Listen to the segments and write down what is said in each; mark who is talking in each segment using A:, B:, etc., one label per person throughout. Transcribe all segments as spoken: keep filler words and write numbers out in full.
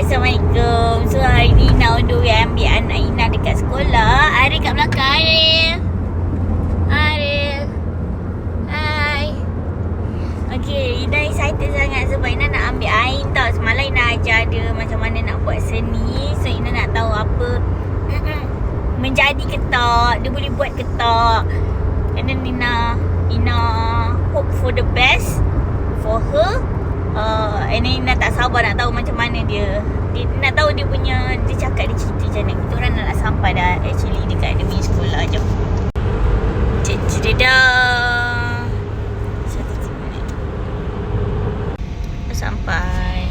A: Assalamualaikum. So hari ni nak on the way ambil anak Ina dekat sekolah. Aril kat belakang. Aril Aril Hai. Okay, Ina excited sangat sebab Ina nak ambil Ain tau. Semalam Ina ajar dia macam mana nak buat seni. So Ina nak tahu apa menjadi ke tak, dia boleh buat ke tak. And then Ina Ina hope for the best for her. Uh, and then Ina tak sabar nak tahu macam mana dia, dia nak tahu dia punya, dia cakap dia cerita macam mana. Kita orang nak, nak sampai dah actually dekat dia punya sekolah. Jom. Cik-cik-dah sampai.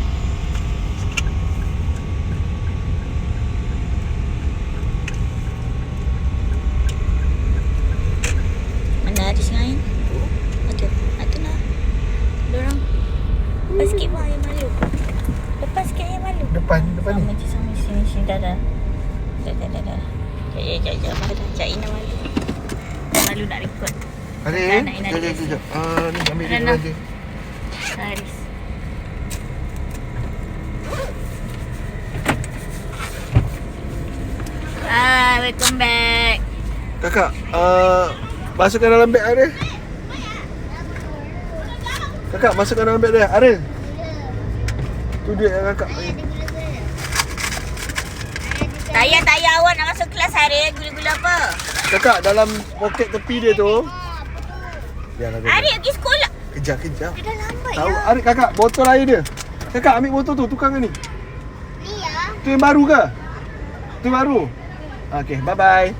A: Mana ada singain? Aduh, aduh nak dorang. Lepas sikit pun ayam malu. Lepas sikit ayam malu.
B: Depan, depan
A: sama
B: ni.
A: je, sama je, sini, sini. Dah, dah. Dah, dah, dah, dah. Sekejap, sekejap, sekejap. Malu. Cak Ina malu. Malu nak record.
B: Ada
A: Tak nak Ina
B: Sekejap,
A: dekat
B: sekejap. Ah, ni ambil dia
A: Rana.
B: aja.
A: Haris. Hai, welcome back.
B: Kakak, uh, masukkan dalam beg Aril. Kakak, masukkan dalam beg dia. Aril. Tu dia yang kakak.
A: Tak payah, tak payah awak nak masuk kelas hari. Gula-gula apa?
B: Kakak, dalam poket tepi dia tu. Biarlah dia.
A: Hari pergi sekolah.
B: Kejap, kejap.
A: Dia dah lambat
B: Tahu,
A: ya.
B: Aril, kakak, botol air dia. Kakak, ambil botol tu, tukang ni.
A: Ni ya.
B: Tu yang baru ke? Tu yang baru? Okay, bye-bye.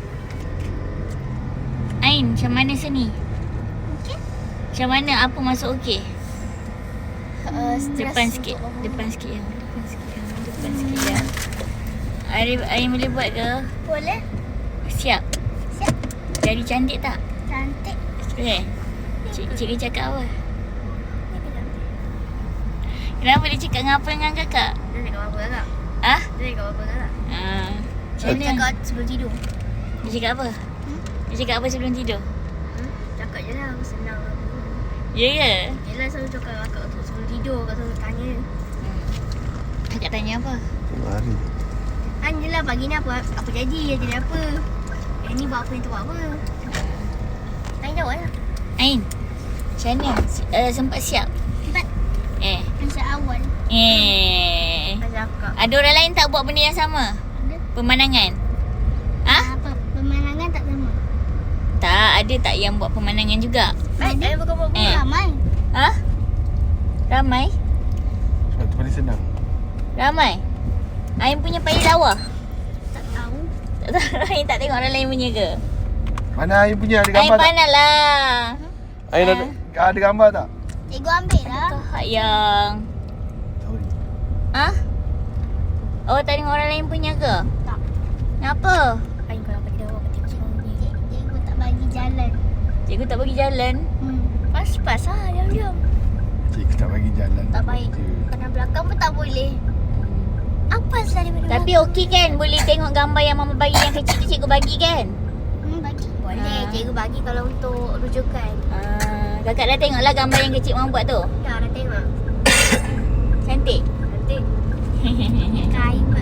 A: Ain, macam mana seni? Okey. Macam mana? Apa masuk okey?
C: Uh,
A: Depan sikit. Depan sikit ya. Depan sikit ya. Depan sikit ya. Ain, Ain boleh buat ke?
C: Boleh.
A: Siap.
C: Siap.
A: Jadi cantik tak?
C: Cantik.
A: Okay. Cik, cikgu cakap apa?
C: Ni pegang.
A: Kenapa dia cakap dengan apa dengan kakak?
C: Dia cakap apa kakak?
A: Ah?
C: Dia cakap apa kakak?
A: Ah. Macam
C: Dia
A: mana?
C: cakap sebelum tidur.
A: Dia cakap apa?
C: Hmm?
A: Dia cakap apa sebelum tidur?
C: Hmm? Cakap je lah, senang lah.
A: Ya ke?
C: Yelah selalu cakap kakak tu sebelum tidur, kakak selalu tanya.
A: Kakak tanya apa?
B: Tengok Aril.
C: Han je lah pagi ni apa, apa jadi, jadi apa. Yang ni buat apa, yang tu buat apa. Tanya jawab lah.
A: Ain, macam mana? Uh, sempat siap?
C: Empat.
A: Eh.
C: Masa awal.
A: Eh.
C: Masa kakak.
A: Ada orang lain tak buat benda yang sama?
C: Ada.
A: Pemandangan? Ah?
C: Apa? Pemandangan tak sama.
A: Tak, ada tak yang buat pemandangan juga?
C: Ada. Ada bukan buat
A: Eh.
C: ramai.
A: Ha? Ramai?
B: Sebab tu paling senang.
A: Ramai? Ain punya payah lawa?
C: Tak tahu.
A: Tak tahu. Ain tak tengok orang lain punya ke?
B: Mana Ain punya? Ada
A: Ain
B: gambar tak?
A: pandai lah.
B: Ain ada, ada gambar tak?
C: Cikgu ambil lah.
A: Kau yang...
B: Sorry.
A: Ha? Oh, tak tengok orang lain punya ke?
C: Tak.
A: Kenapa?
C: Ain kalau pergi dah orang cikgu ni. Cikgu tak bagi jalan.
A: Cikgu tak bagi jalan?
C: Hmm. Pas-pas lah, diam-diam.
B: Cikgu tak bagi jalan.
C: Tak baik. Kanan belakang pun tak boleh. Apa salah daripada
A: Tapi okey kan? Boleh tengok gambar yang mama bagi yang kecil tu cikgu bagi kan?
C: Hmm, bagi. Boleh.
A: Ah.
C: Cikgu bagi kalau untuk rujukan.
A: Ah, kakak dah tengoklah gambar yang kecil mama buat tu?
C: Dah, dah tengok.
A: Cantik?
C: Nanti. Kain pun.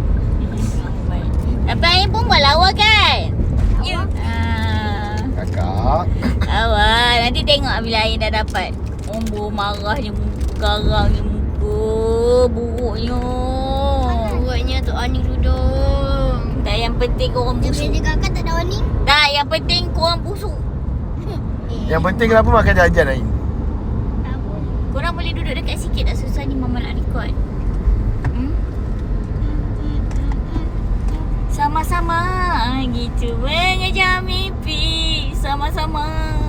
A: Tapi Ain pun buat lawa kan?
C: Ya.
A: Ah,
B: Kakak.
A: awal. Nanti tengok bila Ain dah dapat. Umbu marahnya muka, garangnya muka, buruknya.
C: Buatnya tu Ani duduk.
A: Tak, yang penting korang
C: Dia
A: busuk.
C: punya kakak tak ada Ani.
A: Tak, yang penting korang busuk.
B: Yang penting kenapa makan jajan Ain?
C: Tak apa.
A: Korang boleh duduk dekat sikit tak? Susah ni mama nak record. Hmm? Sama-sama gitu mengejar mimpi. Sama-sama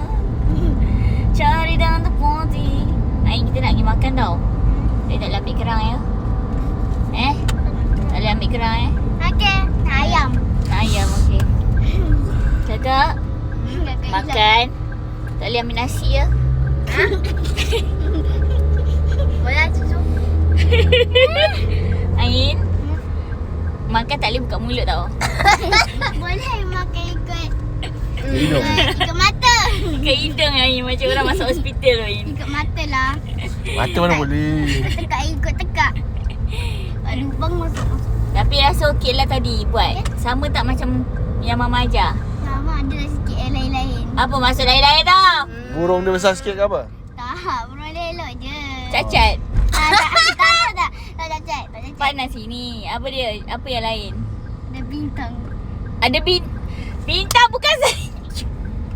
A: cari dalam tepati. Ain, kita nak pergi makan tau. Dia tak boleh ambil kerang ya. Eh? Tak boleh ambil kerang eh.
C: Okey. Ayam.
A: Ayam okey. Kakak
C: Kakak
A: makan. Tak boleh ambil nasi ya.
C: Boleh susu.
A: Ain makan tak boleh buka mulut tau.
C: Boleh makan ikut.
B: Hidung.
C: Ikut mata.
A: Kat hidung Ain macam orang masuk hospital Ain.
C: Ikut mata lah.
B: Mata mana boleh.
C: Tekak ikut tekak. Tak lubang masuk masuk.
A: Tapi rasa okey lah tadi buat. Sama tak macam yang Mama ajar?
C: Sama ada lah sikit yang lain-lain.
A: Apa maksud lain-lain tau?
B: Burung dia besar sikit ke apa?
C: Tak, burung elok je.
A: Cacat.
C: Tak, tak, tak, tak, tak, tak cacat, tak cacat.
A: Panas sini. Apa dia? Apa yang lain?
C: Ada bintang.
A: Ada bin bintang bukan senja.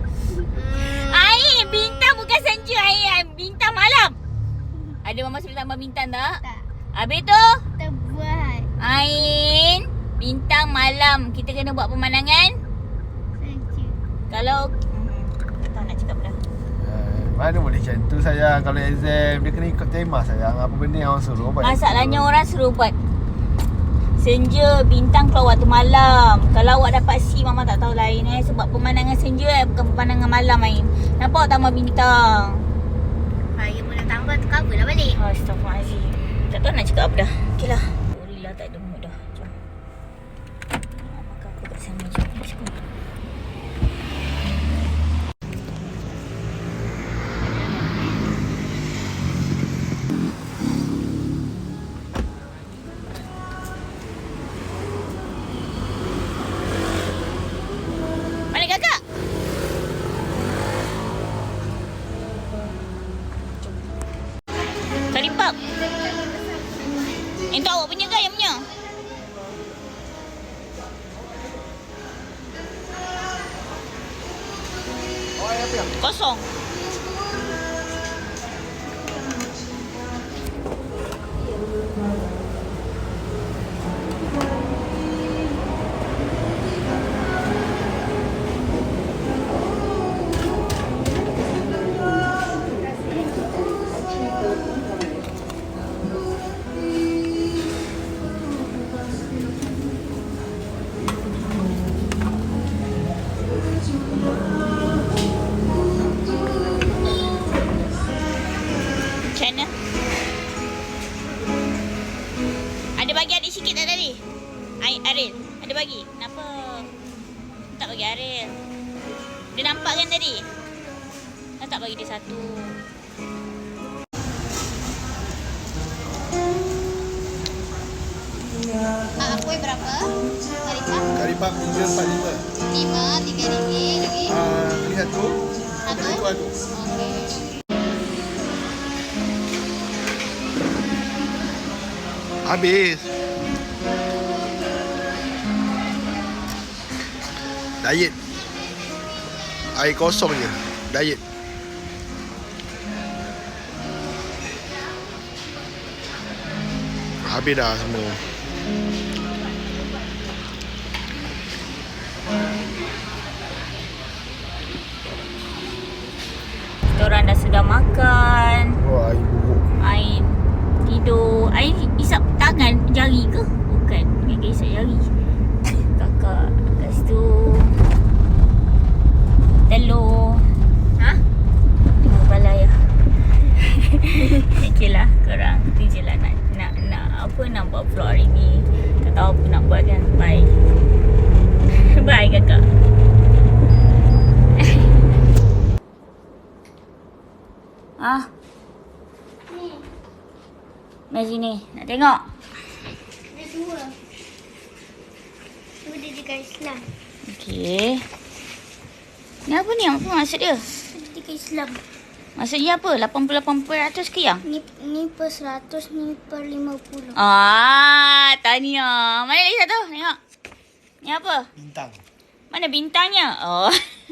A: Air, bintang bukan senja air. Bintang malam. Ada Mama suruh tambah bintang tak?
C: Tak,
A: Habis tu,
C: kita buat.
A: Ain, bintang malam. Kita kena buat pemandangan.
C: Senja.
A: Kalau hmm, tak tahu nak cakap dah.
B: Eh, mana boleh macam tu sayang. Kalau exam dia kena ikut tema sayang. Apa benda yang orang suruh buat.
A: Masalahnya orang suruh buat senja, bintang keluar waktu malam. Kalau awak dapat C, Mama tak tahu lain eh. Sebab pemandangan senja eh, bukan pemandangan malam Ain. Nampak awak tambah bintang?
C: Saya pun nak tambah tu cover lah balik.
A: Astaghfirullahaladzim. Tak tahu nak cakap apa dah. Okey lah. Sorry lah tak ada mood dah. Jom. Nak makan aku kat sana. Jom. Let's go. Mana kakak? Kari pub. Yang tu awak punya ke yang punya?
B: Oh, apa yang?
A: Kosong. Macam mana? Ada bagi adik sikit tak tadi? Ai- Aril, ada bagi? Kenapa? Tak bagi Aril. Dia nampak kan tadi? Kenapa tak bagi dia satu?
C: Ah, kuih berapa? Kari cap?
B: Kari pap tiga empat lima.
C: Lima, tiga ringgit lagi.
B: Ah, lihat tu.
C: Satu?
B: Itu aku.
C: Okey.
B: Habis. Diet. Air kosong je. Diet. Habis dah semua.
A: Diorang dah sudah makan.
B: Oh, air buruk.
A: Ain tidur. Ain isap tangan jari ke? Bukan. Dia isap jari. Kakak. Lepas tu telur. Ha? Tengok balai lah. Okey lah korang. Tu je lah nak, nak, nak apa nak buat vlog hari ni. Tak tahu apa nak buat kan. Bye. Bye kakak. Ah.
C: Ni,
A: Mari sini. Nak tengok.
C: ada dua. Dua dia dekat Islam.
A: Okey. Ni apa ni? Apa maksud dia?
C: Ada dekat Islam.
A: Maksudnya apa? lapan puluh lapan peratus ke yang?
C: Ni ni per seratus, ni per lima puluh.
A: Ah, tahniah. Mana lagi satu? Tengok. Ni apa?
B: Bintang.
A: Mana bintangnya? Oh.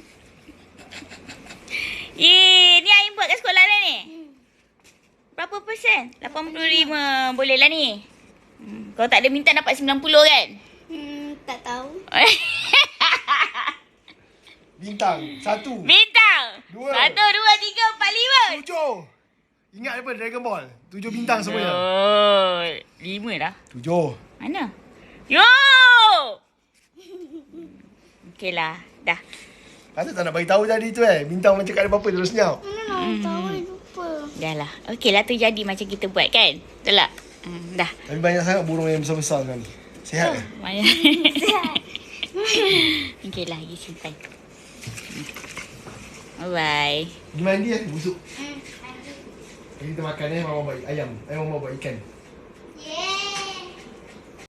A: Eh, ni Ain buat kat sekolah dah ni? Berapa persen? lapan puluh lima. Boleh lah ni. Hmm. Kalau tak ada bintang dapat sembilan puluh kan?
C: Hmm, tak tahu.
B: Bintang. Satu.
A: Bintang.
B: Dua.
A: Satu, dua, tiga, empat, lima.
B: Tujuh. Ingat apa Dragon Ball? Tujuh bintang semuanya.
A: Oh, lima dah.
B: Tujuh.
A: Mana? Yo! Okey lah. Dah.
B: Patut tak nak bagi tahu tadi tu eh. Bintang macam kat ada apa terus senyap.
C: Mana nak tahu, lupa.
A: Dah lah. Okey lah tu jadi macam kita buat kan? Betul tak? Hmm, dah.
B: Tapi banyak sangat burung yang besar-besar sekarang ni. Sihat eh?
A: Banyak. Okey lah, pergi simpan. Bye-bye.
B: Pergi mandi eh, busuk. Kita makan eh, mama buat ayam. Eh, mama buat ikan.